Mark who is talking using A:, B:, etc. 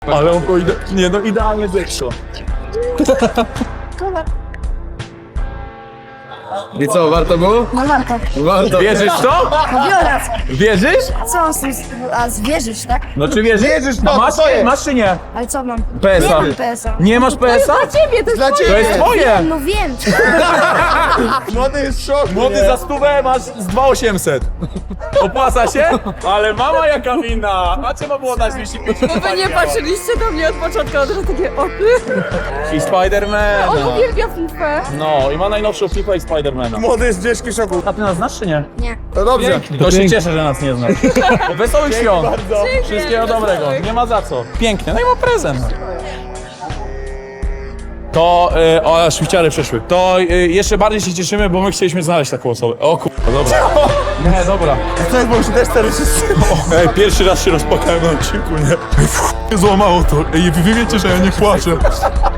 A: Ale on nie no, idealnie zeszło.
B: I co, warto było?
C: No warto.
B: Warto.
A: Wierzysz w to?
C: No biorę.
A: Wierzysz?
C: A co on z tym... A zwierzysz, tak?
A: No czy wierzysz?
B: Wierzysz w to,
A: A masz,
B: to jest.
A: masz czy nie?
C: Ale co mam?
A: PSA.
C: Nie mam PSA.
A: Nie masz PSA?
C: ciebie, to jest
B: Dla
A: To
B: ciebie!
A: jest twoje!
C: No wiem.
B: Młody jest w szoku,
A: Młody
B: nie?
A: za 100 masz z 2800. Opłaca się? Ale mama jaka wina! A trzeba było dać 250.
D: Wy nie patrzyliście do mnie od początku, od razu takie oczy.
A: I Spidermana.
D: On uwielbia FIFA.
A: No i ma najnowszą FIFA i Spidermana.
B: Młody jest w ciężkim szoku.
A: A ty nas znasz czy nie?
C: Nie.
B: To dobrze.
A: To się cieszę, że nas nie znasz. Wesołych świąt.
B: bardzo.
A: Wszystkiego dobrego. Nie ma za co. Pięknie. No i ma prezent. To, o, szwiciary przeszły. To jeszcze bardziej się cieszymy, bo my chcieliśmy znaleźć taką osobę. O kurwa, dobra. Nie, dobra.
B: To jest, bo już też 4 wszyscy.
A: Ej, pierwszy raz się rozpłakałem na odcinku, nie? Ej, złamało to. Ej, wy wiecie, że ja nie płaczę.